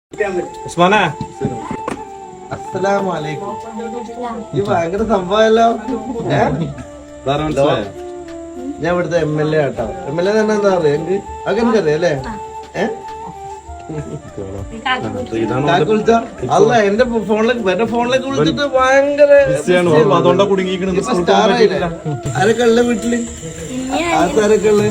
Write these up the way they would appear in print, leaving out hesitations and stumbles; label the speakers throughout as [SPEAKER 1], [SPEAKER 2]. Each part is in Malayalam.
[SPEAKER 1] അസ്സലാമലൈക്കും. ഈ ഭയങ്കര സംഭവമല്ലോ. ഞാൻ ഇവിടുത്തെ MLA ആട്ടോ. MLA തന്നെ എന്താ പറയാ എനിക്ക് അങ്ങനെ അറിയാം അല്ലേ? അല്ല എന്റെ ഫോണിലേക്ക് വിളിച്ചിട്ട് ഭയങ്കര ആരൊക്കെ ഉള്ള വീട്ടില് ആരൊക്കെ ഉള്ള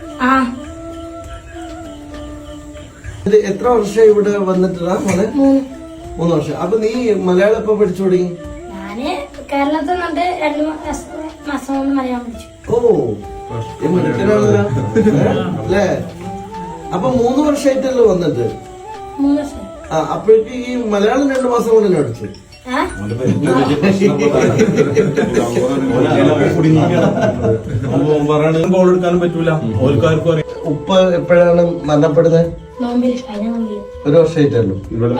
[SPEAKER 1] എത്ര വർഷം ഇവിടെ വന്നിട്ടാ മോനെ? 3 വർഷം. അപ്പൊ നീ മലയാളം എപ്പോ പഠിച്ചു തുടങ്ങി?
[SPEAKER 2] കേരളത്തിൽ നിന്നിട്ട് 2 മാസം കൊണ്ട് മലയാളം പഠിച്ചു.
[SPEAKER 1] ഓ മിടുക്കനാണല്ലോ അല്ലേ? അപ്പൊ 3 വർഷമായിട്ടല്ലോ വന്നിട്ട്?
[SPEAKER 2] 3 വർഷം.
[SPEAKER 1] ആ അപ്പോഴേക്ക് ഈ മലയാളം 2 മാസം കൊണ്ട് തന്നെ പഠിച്ചു. ഉപ്പ എപ്പോഴാണ് മരണപ്പെടുന്നത്? 1 വർഷമായിട്ടല്ലോ.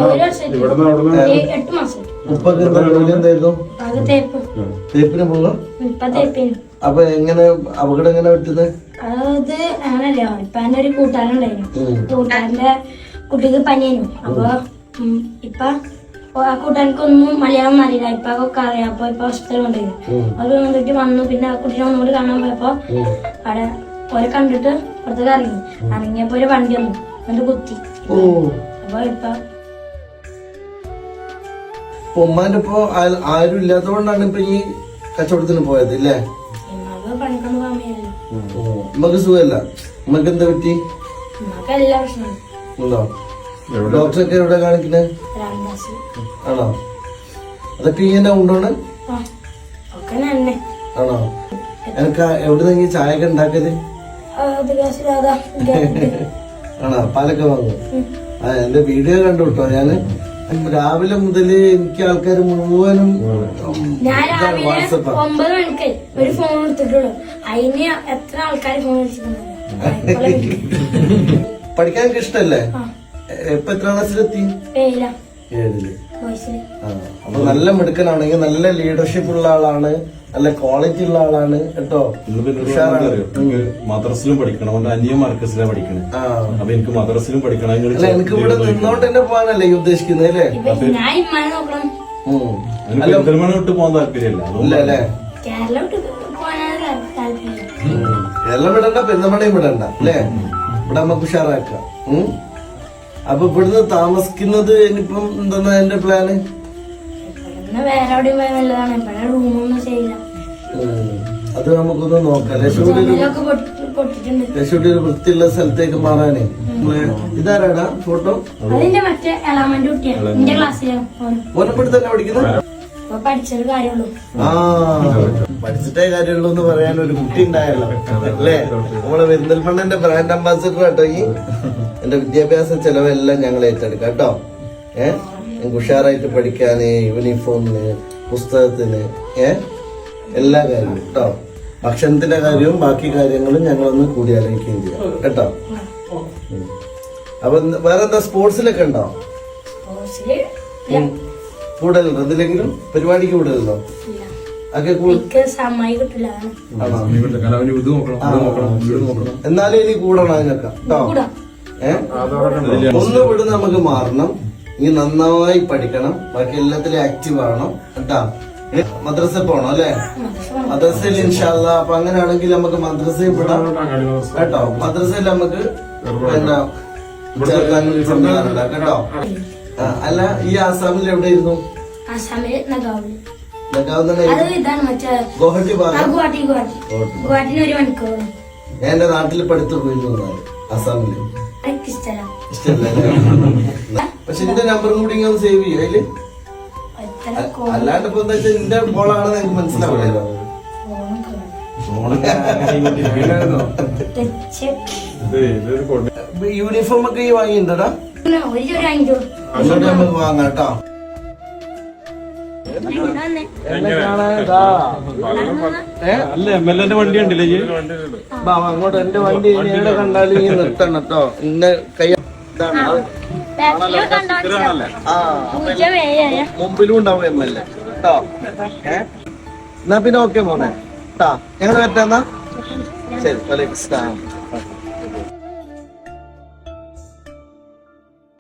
[SPEAKER 1] ഉപ്പൊക്കെ എന്താ ജോലി എന്തായിരുന്നു? തേപ്പിന് പോകാം. അപ്പൊ എങ്ങനെ അപകടം എങ്ങനെ പറ്റുന്നത്?
[SPEAKER 2] അത് അങ്ങനല്ലോ. ഇപ്പൊ എന്റെ ഒരു കൂട്ടുകാരുണ്ടായിരുന്നു. കൂട്ടുകാരന്റെ കുട്ടിക്ക് പനിയായിരുന്നു. അപ്പൊ ഇപ്പൊ ആ കൂട്ടുകാർക്കൊന്നും മലയാളം അറിയില്ല. ഇപ്പൊ ഒക്കെ അറിയാം. അപ്പൊ ഇപ്പൊ ഹോസ്പിറ്റലിൽ കൊണ്ടുപോയി. അത് വന്നിട്ട് വന്നു. പിന്നെ ആ കുട്ടീനെ ഒന്നുകൂടി കാണാൻ പോയപ്പോ അവിടെ ഓരെ കണ്ടിട്ട് പുറത്തേക്ക് ഇറങ്ങി. ഇറങ്ങിയപ്പോ ഒരു വണ്ടി വന്നു. എന്നിട്ട് കുത്തി. അപ്പൊ ഇപ്പൊ
[SPEAKER 1] ഉമ്മാന്റെ ഇപ്പൊ ആരും ഇല്ലാത്തതുകൊണ്ടാണ് ഇപ്പൊ ഈ കച്ചവടത്തിന് പോയത് ഇല്ലേ?
[SPEAKER 2] പണിക്കൊന്നും പോകാൻ വയ്യല്ലോ.
[SPEAKER 1] ഉമ്മക്ക് സുഖമല്ല. ഉമ്മക്ക് എന്താ പറ്റി?
[SPEAKER 2] ഉമ്മക്ക് എല്ലാ പ്രശ്നമാണ്.
[SPEAKER 1] ഉണ്ടോ? ഡോക്ടറൊക്കെ എവിടെ കാണിക്കുന്നത്? ആണോ? അതൊക്കെ ഇങ്ങനെ ഉണ്ടോണ്? ആണോ? എനിക്ക് എവിടെ നിന്ന് ചായ ഒക്കെ ഉണ്ടാക്കിയത്? ആണോ? പാലൊക്കെ വാങ്ങും. ആ എന്റെ വീഡിയോ കണ്ടു കേട്ടോ. ഞാന് രാവിലെ മുതല് എനിക്ക് ആൾക്കാർ മുഴുവനും
[SPEAKER 2] വാട്സപ്പ് 9 മണിക്ക് ഒരു ഫോൺ എടുത്തിട്ടുള്ളൂ. അതിന് എത്ര ആൾക്കാർ ഫോൺ
[SPEAKER 1] പഠിക്കാൻ ഇഷ്ടല്ലേ? ഇപ്പൊ എത്ര ക്ലാസ്സിലെത്തി? 7ല്. അപ്പൊ നല്ല മിടുക്കനാണെങ്കിൽ നല്ല ലീഡർഷിപ്പ് ഉള്ള ആളാണ്, നല്ല ക്വാളിറ്റി ഉള്ള ആളാണ് കേട്ടോ.
[SPEAKER 3] മദ്രസിലും പഠിക്കണം. അവന്റെ അന്യ മാർക്കസിലാണ് പഠിക്കണേ. അപ്പൊ എനിക്ക് മദ്രസിലും പഠിക്കണം.
[SPEAKER 1] എനിക്ക് ഇവിടെ നിന്നോണ്ട് തന്നെ പോകാനല്ലേ ഈ ഉദ്ദേശിക്കുന്നത് അല്ലേ?
[SPEAKER 3] പെരുന്തൽമണ്ണ വിട്ട് പോകാൻ താല്പര്യമില്ല
[SPEAKER 1] അല്ലേ? കേരളം വിടണ്ട, പെരുന്തൽമണ്ണയും വിടണ്ട അല്ലേ? ഇവിടെ നമുക്ക് ഉഷാറാക്കാം. അപ്പൊ ഇവിടുന്ന് താമസിക്കുന്നത് ഇനിയിപ്പം എന്താ എന്റെ പ്ലാന്?
[SPEAKER 2] വേറെ എവിടെയും പോയാൽ നല്ലതാണ്. ഇവിടെ റൂമൊന്നും ചെയ്യില്ല.
[SPEAKER 1] അത് നമുക്കൊന്ന് നോക്കാം. ലക്ഷ്മിയുടെ ഒരു വൃത്തിയുള്ള സ്ഥലത്തേക്ക് മാറാനേ. ഇതാരാടാ ഫോട്ടോ?
[SPEAKER 2] അതിന്റെ മറ്റേ എളാമന്റെ കുട്ടിയാണ്. എന്റെ ക്ലാസ്സിലാണ്.
[SPEAKER 1] ഓനപ്പെട്ട് തന്നെ പഠിക്കുന്നത്?
[SPEAKER 2] പഠിച്ചൊരു കാര്യമുള്ളൂ.
[SPEAKER 1] ആ പഠിച്ചിട്ടേ കാര്യമുള്ളൂ എന്ന് പറയാൻ ഒരു കുട്ടി ഉണ്ടായല്ലോ അല്ലേ? നമ്മളെ പെരിന്തൽമണ്ണന്റെ ബ്രാൻഡ് അംബാസിഡർ കേട്ടോ. ഈ എന്റെ വിദ്യാഭ്യാസ ചെലവെല്ലാം ഞങ്ങൾ ഏറ്റെടുക്കാം കേട്ടോ. ഞങ്ങൾക്ക് ഉഷാറായിട്ട് പഠിക്കാന്, യൂണിഫോമിന്, പുസ്തകത്തിന്, എല്ലാ കാര്യവും കേട്ടോ. ഭക്ഷണത്തിന്റെ കാര്യവും ബാക്കി കാര്യങ്ങളും ഞങ്ങളൊന്ന് കൂടി ആലോചിക്കുകയും ചെയ്യാം കേട്ടോ. അപ്പൊ വേറെന്താ സ്പോർട്സിലൊക്കെ ഉണ്ടോ? കൂടുതലുണ്ടോ? എന്തിലെങ്കിലും പരിപാടിക്ക് കൂടുതലുണ്ടോ? എന്നാലും ഇനി കൂടണം അതിനൊക്കെ കേട്ടോ. ഒന്ന് വിടുന്ന നമുക്ക് മാറണം. ഇനി നന്നായി പഠിക്കണം. ബാക്കി എല്ലാത്തിലും ആക്റ്റീവ് ആവണം കേട്ടോ. മദ്രസ പോണം അല്ലെ? മദ്രസയിൽ ഇൻഷാല്ല. അപ്പൊ അങ്ങനെയാണെങ്കിൽ നമുക്ക് മദ്രസയിൽ വിടാം കേട്ടോ. മദ്രസയിൽ നമുക്ക് എന്താ ചേർക്കാനും കേട്ടോ. അല്ല ഈ ആസാമിൽ എവിടെയായിരുന്നു? ഗുവാഹട്ടി ഭാഗം. ഞാൻ എന്റെ നാട്ടിൽ പഠിത്തു പോയിരുന്നു ആസാമില്. പക്ഷെ എന്റെ നമ്പറും കൂടി ഇങ്ങനെ സേവ് ചെയ്യും അതില്. അല്ലാണ്ട് ഇപ്പൊ എന്താ വെച്ചാൽ എന്റെ ബോളാണെന്ന് എനിക്ക് മനസ്സിലാവില്ലല്ലോ. യൂണിഫോം ഒക്കെ ഈ വാങ്ങിയിട്ടുണ്ടോടാ? നമുക്ക് വാങ്ങാം കേട്ടോ.
[SPEAKER 3] അല്ല MLA വണ്ടി ഉണ്ടല്ലേ?
[SPEAKER 1] അങ്ങോട്ട് എന്റെ വണ്ടി എവിടെ കണ്ടാലും ഈ നിർത്തണം കേട്ടോ. ഇന്ന കൈ മുമ്പിലും ഉണ്ടാവും MLA കേട്ടോ. എന്നാ പിന്നെ ഓക്കെ മോനെ കേട്ടാ. ഞങ്ങൾ പറ്റാന്നാ ശരി. വലൈക്കും സ്സലാം.